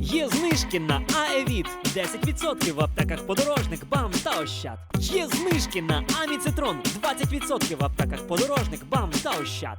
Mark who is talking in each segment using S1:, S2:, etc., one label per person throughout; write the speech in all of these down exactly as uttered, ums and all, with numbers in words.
S1: Є знижки на Аевіт. десять відсотків в аптеках Подорожник, БАМ та Ощад. Є знижки на Аміцитрон. двадцять відсотків в аптеках Подорожник, БАМ та Ощад.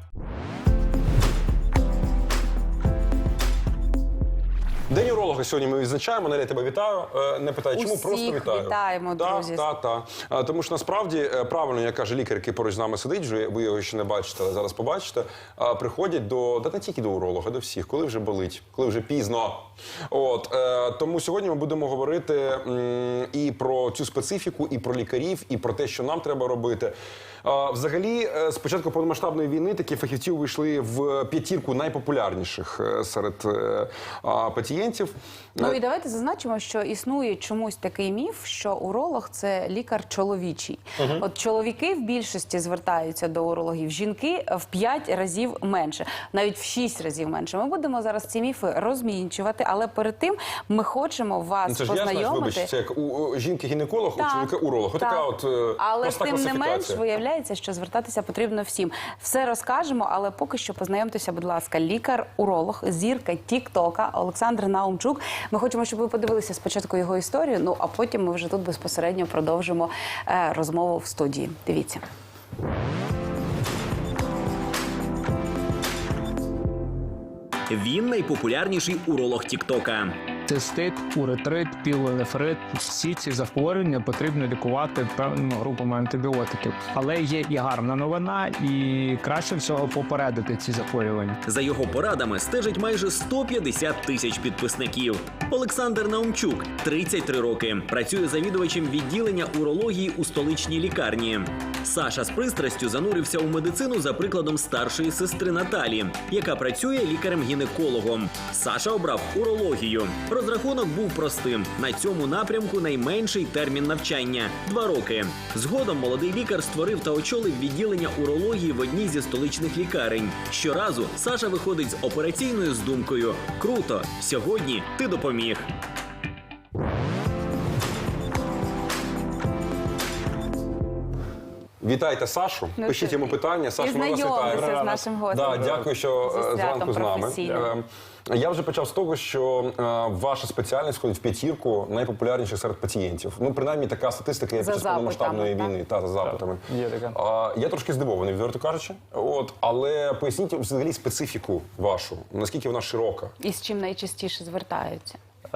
S2: День уролога сьогодні ми відзначаємо. Наля, тебе вітаю. Е, Не питаю, чому,
S3: Усіх
S2: просто вітаю.
S3: вітаємо, друзі.
S2: Так, так, так. Тому що насправді, е, правильно, як каже лікар, який поруч з нами сидить, вже ви його ще не бачите, але зараз побачите, е, приходять до, да не тільки до уролога, до всіх, коли вже болить, коли вже пізно. От, е, тому сьогодні ми будемо говорити м, і про цю специфіку, і про лікарів, і про те, що нам треба робити. Е, взагалі, е, з початку повномасштабної війни такі фахівці увійшли в п'ятірку найпопулярніших е, серед е, а, пацієнтів.
S3: Ну і давайте зазначимо, що існує чомусь такий міф, що уролог – це лікар чоловічий. Uh-huh. От чоловіки в більшості звертаються до урологів, жінки в п'ять разів менше, навіть в шість разів менше. Ми будемо зараз ці міфи розмінчувати, але перед тим ми хочемо вас
S2: ну, це ж
S3: познайомити.
S2: Я, знаєш, вибач, це як у, у жінки-гінеколог, у чоловіка уролог. Отака от е,
S3: але
S2: проста
S3: тим не менш
S2: класифікація.
S3: виявляється, що звертатися потрібно всім. Все розкажемо, але поки що познайомтеся, будь ласка, лікар-уролог, зірка тік-тока Олександр Наумчук. Ми хочемо, щоб ви подивилися спочатку його історію, ну а потім ми вже тут безпосередньо продовжимо е, розмову в студії. Дивіться.
S1: Він найпопулярніший уролог тік-тока.
S4: Цистит, уретрит, пілонефрит – всі ці захворювання потрібно лікувати певними групами антибіотиків. Але є і гарна новина, і краще всього попередити ці захворювання.
S1: За його порадами стежить майже сто п'ятдесят тисяч підписників. Олександр Наумчук, тридцять три роки, працює завідувачем відділення урології у столичній лікарні. Саша з пристрастю занурився у медицину за прикладом старшої сестри Наталі, яка працює лікарем-гінекологом. Саша обрав урологію. Розрахунок був простим. На цьому напрямку найменший термін навчання – два роки. Згодом молодий лікар створив та очолив відділення урології в одній зі столичних лікарень. Щоразу Саша виходить з операційною з думкою «Круто! Сьогодні ти допоміг!».
S2: Вітайте Сашу,
S3: Ну,
S2: пишіть
S3: це-
S2: йому питання. Сашу,
S3: І
S2: ми вас
S3: знайомтеся
S2: вітаємо.
S3: з нашим гостем.
S2: Да, дякую, що
S3: Зі
S2: е,
S3: святом
S2: зранку з нами.
S3: професійним.
S2: Е, Я вже почав з того, що е, ваша спеціальність входить в п'ятірку найпопулярніших серед пацієнтів. Ну, принаймні, така статистика є
S3: За
S2: під час повномасштабної
S3: запитами,
S2: війни. Та, за запитами.
S4: Є така.
S2: А, я трошки здивований, відверто кажучи. От, але поясніть взагалі специфіку вашу, наскільки вона широка.
S3: І з чим найчастіше звертаються?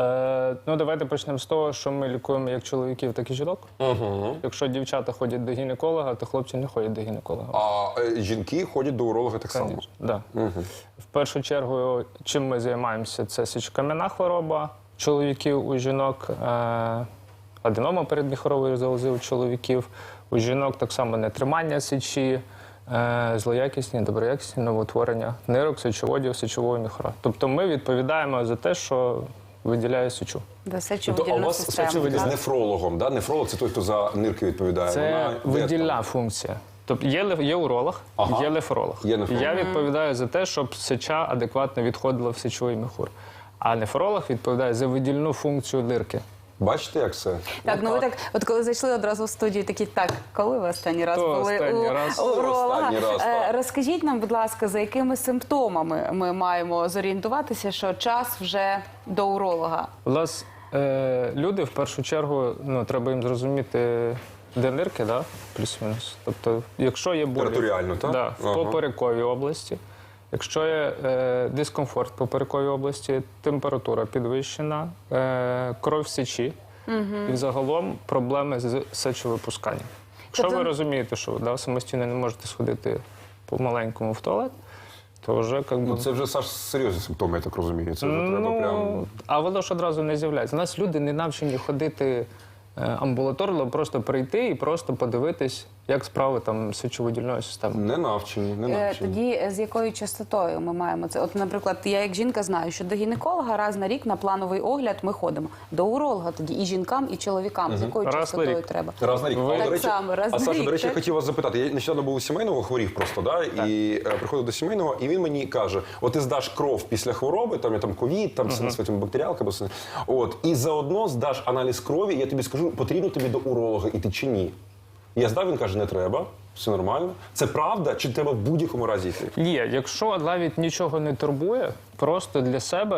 S4: Е, ну, давайте почнемо з того, що ми лікуємо як чоловіків, так і жінок.
S2: Угу.
S4: Якщо дівчата ходять до гінеколога, то хлопці не ходять до гінеколога.
S2: А е, жінки ходять до уролога так само.
S4: Конечно, да.
S2: Угу.
S4: В першу чергу, чим ми займаємося, це сечокам'яна хвороба чоловіків у жінок, е, аденома передміхорової залози у чоловіків, у жінок так само нетримання сечі, е, злоякісні, доброякісні новоутворення нирок, сечоводів, сечового міхура. Тобто ми відповідаємо за те, що виділяє сечу.
S3: До
S2: Тобто, а у
S3: сечовидільну
S2: вас
S3: систему.
S2: специфіка з
S3: так?
S2: нефрологом, да? Нефролог – це той, хто за нирки відповідає.
S4: Це
S2: Вона де
S4: видільна
S2: там?
S4: функція. Тобто є, лев- є уролог,
S2: Ага.
S4: є нефролог.
S2: Є нефролог.
S4: Я відповідаю за те, щоб сеча адекватно відходила в сечовий міхур. А нефролог відповідає за видільну функцію нирки.
S2: Бачите, як це?
S3: Так, ну ви так, от коли зайшли одразу в студію, такі, так, коли ви останній раз
S4: То
S3: були
S4: останній
S3: у
S4: раз.
S3: уролога?
S2: Останній раз,
S3: Е,
S2: так.
S3: Розкажіть нам, будь ласка, за якими симптомами ми маємо зорієнтуватися, що час вже до уролога?
S4: У нас е, люди в першу чергу, ну, треба їм зрозуміти, де нирки, да? Плюс-мінус. Тобто, якщо є болі
S2: Територіально, так?
S4: да, в
S2: Ага.
S4: поперековій області, якщо є е, дискомфорт в поперековій області, температура підвищена, е, кров в сечі, і взагалом проблеми з сечовипусканням. Якщо
S3: Тобто-
S4: ви розумієте, що да, самостійно не можете сходити по-маленькому в туалет, то вже як би...
S2: Ну, це вже, Саш, серйозні симптоми, я так розумію. Це вже треба
S4: Ну,
S2: прям...
S4: а воно ж одразу не з'являється. У нас люди не навчені ходити е, амбулаторно, просто прийти і просто подивитись, як справи там з сечовидільною системою.
S2: Не навчені, не
S3: Е,
S2: навчені.
S3: Тоді е, з якою частотою ми маємо це? От, наприклад, я як жінка знаю, що до гінеколога раз на рік на плановий огляд ми ходимо. До уролога тоді і жінкам, і чоловікам. З якою
S4: Раз на
S3: частотою
S4: рік.
S3: треба?
S2: Раз на рік.
S4: Ви-
S2: А,
S3: Так
S2: до речі,
S3: само, раз
S2: а
S3: на
S2: Саша,
S3: рік,
S2: до речі, я
S3: так?
S2: хотів вас запитати. Я нещодавно був у сімейного, хворів просто, да? І е, приходив до сімейного, і він мені каже, от ти здаш кров після хвороби, там я там ковід, там uh -huh. бактеріалка, або все. От, і заодно здаш аналіз крові, і я тобі скажу, потрібно тобі до уролога іти чи ні. Я здав, він каже, не треба, все нормально. Це правда, чи треба в будь-якому разі йти?
S4: Є, якщо навіть нічого не турбує, просто для себе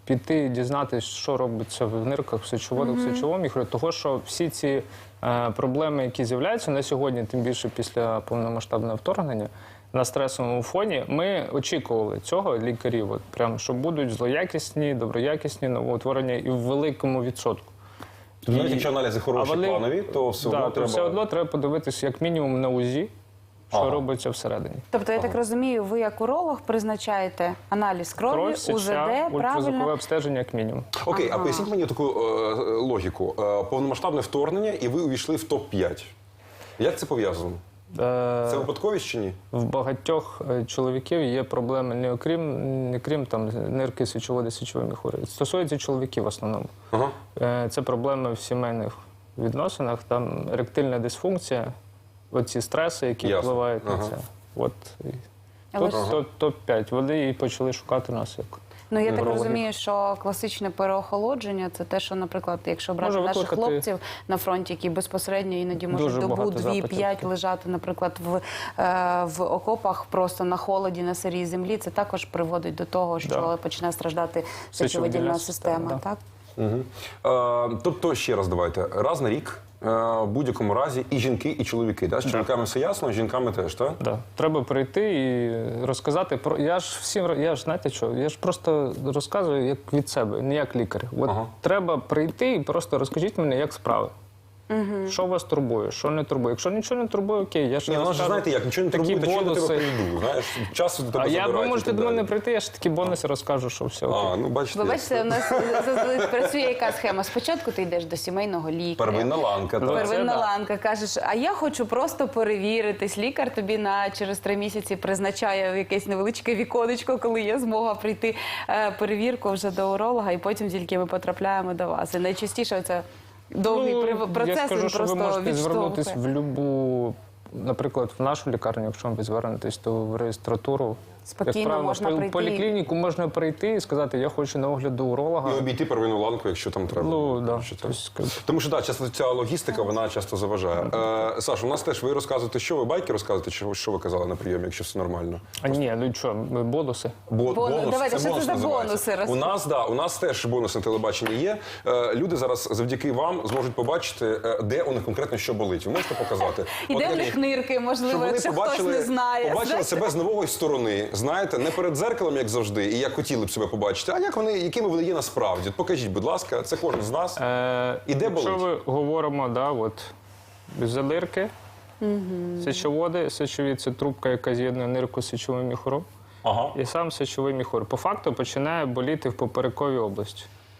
S4: піти і дізнатися, що робиться в нирках, в сечоводах, в сечовому міхурі. Того, що всі ці е, проблеми, які з'являються на сьогодні, тим більше після повномасштабного вторгнення, на стресовому фоні, ми очікували цього лікарів, от, прям, що будуть злоякісні, доброякісні новоутворення і в великому відсотку.
S2: Тобто, навіть якщо аналізи хороші,
S4: А вони-
S2: планові, то все
S4: Да,
S2: одно
S4: то
S2: треба...
S4: все одно треба подивитися як мінімум на УЗІ, що
S2: Ага.
S4: робиться всередині.
S3: Тобто, я так розумію, ви як уролог призначаєте аналіз крові,
S4: Кров,
S3: УЗД,
S4: сеча, ультразвукове
S3: правильно?
S4: обстеження як мінімум.
S2: Окей, а поясніть мені таку е, логіку. Е, повномасштабне вторгнення, і ви увійшли в топ п'ять. Як це пов'язано?
S4: Е,
S2: Це випадковість чи ні?
S4: В багатьох е, чоловіків є проблеми не окрім, не крім там нирки, сечоводи, сечової міхури. Стосується чоловіків в основному.
S2: Ага.
S4: Е, Це проблеми в сімейних відносинах, там еректильна дисфункція, оці стреси, які
S2: Ясно.
S4: впливають на
S2: Ага.
S4: це. От і
S3: Але
S4: тут
S3: ж-
S4: топ- топ п'ять. Вони і почали шукати нас як.
S3: Ну, я так
S4: Неврологи.
S3: розумію, що класичне переохолодження – це те, що, наприклад, якщо брати
S4: Може
S3: наших
S4: викликати-
S3: хлопців на фронті, які безпосередньо іноді можуть
S4: Дуже
S3: добу,
S4: багато
S3: дві,
S4: запитів.
S3: п'ять лежати, наприклад, в, е, в окопах просто на холоді, на сирій землі, це також приводить до того, що
S4: Да.
S3: починає страждати
S4: Сечовидільна
S3: сечовидільна
S4: система,
S3: система.
S4: да.
S3: Так?
S2: Угу. Е, тобто, ще раз давайте. Раз на рік, е, в будь-якому разі, і жінки, і чоловіки. Да? З чоловіками все ясно, з жінками теж, так?
S4: Да. Треба прийти і розказати про. Я ж всім я ж знаєте що? Я ж просто розказую як від себе, не як лікар. От
S2: Ага.
S4: треба прийти і просто розкажіть мені, як справи. Угу. Що вас турбує, що не турбує. Якщо нічого не турбує, окей, я ж
S2: Ні,
S4: не
S2: ну, ж
S4: розкажу
S2: знаєте як, нічого не
S4: такі
S2: турбує, то чого я до тебе
S4: бонуси.
S2: прийду, знаєш, час до тебе
S4: А я,
S2: забирають
S4: ви
S2: і
S4: можете
S2: так
S4: до мене
S2: далі.
S4: прийти, я ж такі бонуси розкажу, що все окей.
S2: А, ну бачите.
S3: Ви
S2: як
S3: бачите,
S2: це.
S3: у нас зазвичай працює яка схема. Спочатку ти йдеш до сімейного лікаря.
S2: Первинна ланка, так.
S3: Первинна
S4: Це да.
S3: ланка, кажеш, а я хочу просто перевіритись. Лікар тобі на через три місяці призначає якесь невеличке віконечко, коли є змога прийти е, перевірку вже до уролога, і потім тільки ми потрапляємо до вас. І найчастіше це довгий
S4: Ну,
S3: процес,
S4: я скажу,
S3: він
S4: що ви
S3: просто
S4: можете звернутися
S3: відштовхує.
S4: в любу, наприклад, в нашу лікарню, якщо ви звернетесь, то в реєстратуру.
S3: Спокійно
S4: Як правило,
S3: можна
S4: в
S3: прийти.
S4: поліклініку можна прийти і сказати, я хочу на огляд до уролога.
S2: І обійти первинну ланку, якщо там треба.
S4: Ну, да.
S2: Що
S4: Тобто,
S2: там. Тому що, так, часто ця логістика, вона часто заважає. Е, Саша, у нас теж ви розказуєте, що ви байки розказуєте, чи що ви казали на прийомі, якщо все нормально?
S4: А ні, ну що, бонуси.
S2: Бо,
S3: Бонус. Давайте, що це
S2: бонус
S3: за
S2: називається.
S3: бонуси?
S2: У нас, да, у нас теж бонус на телебаченні є. Е, люди зараз завдяки вам зможуть побачити, е, де у них конкретно що болить. Ви можете показати?
S3: І
S2: От,
S3: де в
S2: Елі,
S3: них нирки,
S2: щоб
S3: можливо,
S2: вони
S3: якщо хтось
S2: побачили,
S3: не знає.
S2: побачили
S3: Знаєте?
S2: себе з нової сторони, знаєте, не перед дзеркалом, як завжди, і як хотіли б себе побачити, а як вони, якими вони є насправді. От покажіть, будь ласка, це кожен з нас.
S4: Е,
S2: І де
S4: якщо
S2: болить?
S4: ви говоримо, да, от, задирки, сечоводи, сечові – це трубка, яка з'єднує нирку з сечовим міхуром,
S2: Ага.
S4: і сам сечовий міхур. По факту починає боліти в поперековій області.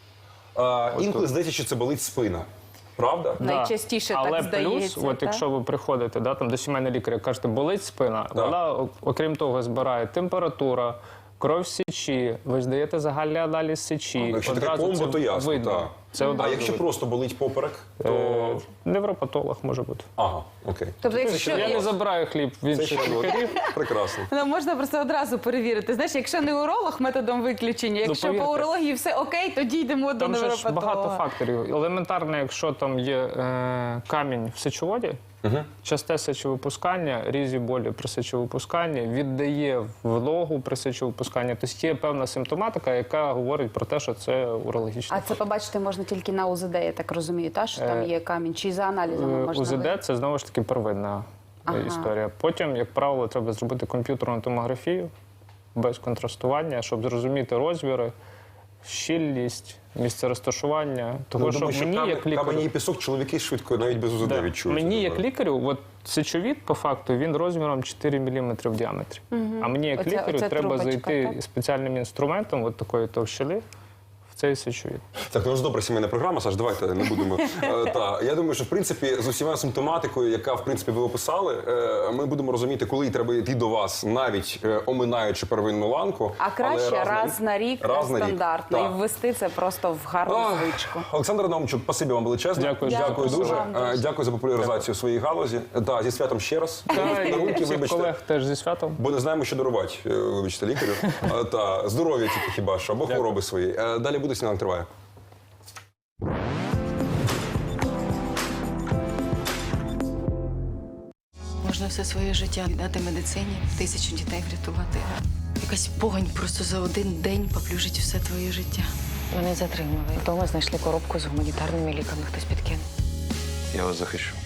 S2: А, інколи здається, що це болить спина. Правда?
S3: Да. Найчастіше так
S4: Але
S3: здається,
S4: плюс, от
S3: так?
S4: якщо ви приходите да, там, до сімейного лікаря, кажете, болить спина,
S2: Да.
S4: вона, о- окрім того, збирає температура, кров з сечі, ви здаєте загальний аналіз сечі.
S2: Якщо таке
S4: Одразу
S2: комбо,
S4: це
S2: то ясно.
S4: видно.
S2: Так.
S4: Це
S2: А
S4: одразу
S2: якщо
S4: видно.
S2: просто болить поперек, то.
S4: Е, Невропатолог може бути.
S2: Ага, окей.
S3: Тобто, якщо
S4: Я не забираю хліб в
S2: Це
S4: інших
S2: ще
S4: лікарів.
S2: прекрасно.
S3: Ну, можна просто одразу перевірити. Знаєш, якщо не уролог методом виключення, якщо
S4: повірте.
S3: по урології все окей, тоді йдемо до
S4: Там же ж
S3: невропатолога.
S4: багато факторів. Елементарно, якщо там є е, камінь в сечоводі, часте сечовипускання, різі болі при сечовипусканні, віддає вологу при сечовипусканні. Тобто є певна симптоматика, яка говорить про те, що це урологічне.
S3: А це побачити можна тільки на УЗД, я так розумію, та, що там
S4: Е,
S3: є камінь, чи за аналізами можна
S4: УЗД
S3: виявити?
S4: – це знову ж таки первинна е,
S3: Ага.
S4: історія. Потім, як правило, треба зробити комп'ютерну томографію без контрастування, щоб зрозуміти розміри, щільність, місце розташування. Того,
S2: Ну,
S4: що
S2: думаю, що
S4: мені,
S2: камінь,
S4: як лікарю,
S2: камені і пісок чоловіки швидко навіть без УЗД
S4: Да.
S2: відчують.
S4: Мені, як лікарю, от сечовід, по факту, він розміром чотири міліметри в діаметрі. А мені, як
S3: Оце-
S4: лікарю,
S3: оце
S4: треба
S3: трубочка,
S4: зайти
S3: так?
S4: спеціальним інструментом, от такої товщини, в цей сечовід.
S2: Так, ну у нас добра сімейна програма, Саш, давайте не будемо. Е, та, я думаю, що в принципі з усіма симптоматикою, яка в принципі ви описали, е, ми будемо розуміти, коли треба йти до вас, навіть е, оминаючи первинну ланку.
S3: А краще
S2: але
S3: раз на рік,
S2: раз на рік.
S3: стандартно,
S2: Так.
S3: і ввести це просто в гарну
S2: Ах,
S3: звичку.
S2: Олександр Наумчук, спасибі вам величезне.
S4: Дякую.
S2: Дякую
S3: Дякую
S2: дуже.
S3: вам дуже.
S2: Е, Дякую за популяризацію своєї галузі. Да, зі святом ще раз.
S4: Та, і
S2: Дарунки,
S4: всіх
S2: вибачте.
S4: колег теж зі святом.
S2: Бо не знаємо, що дарувати, е, вибачте, лікарю. Е, Та здоров'я тільки хіба що, або хвороби свої. Е, Далі буде «Сніданок триває».
S5: Можна все своє життя віддати медицині, тисячу дітей врятувати. Якась погань просто за один день поплюжить все твоє життя. Мене затримали. Вдома знайшли коробку з гуманітарними ліками. Хтось підкинув.
S6: Я вас захищу.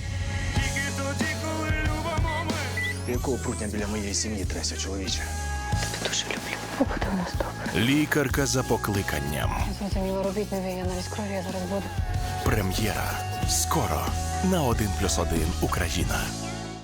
S7: Якого прутня біля моєї сім'ї тряся, чоловіче?
S5: Тебе дуже люблю. Побуде у нас добре.
S8: Лікарка за покликанням.
S5: Я зрозуміла, робіть нові, я навіть крові, я зараз буду.
S8: Прем'єра. Скоро на один плюс один Україна.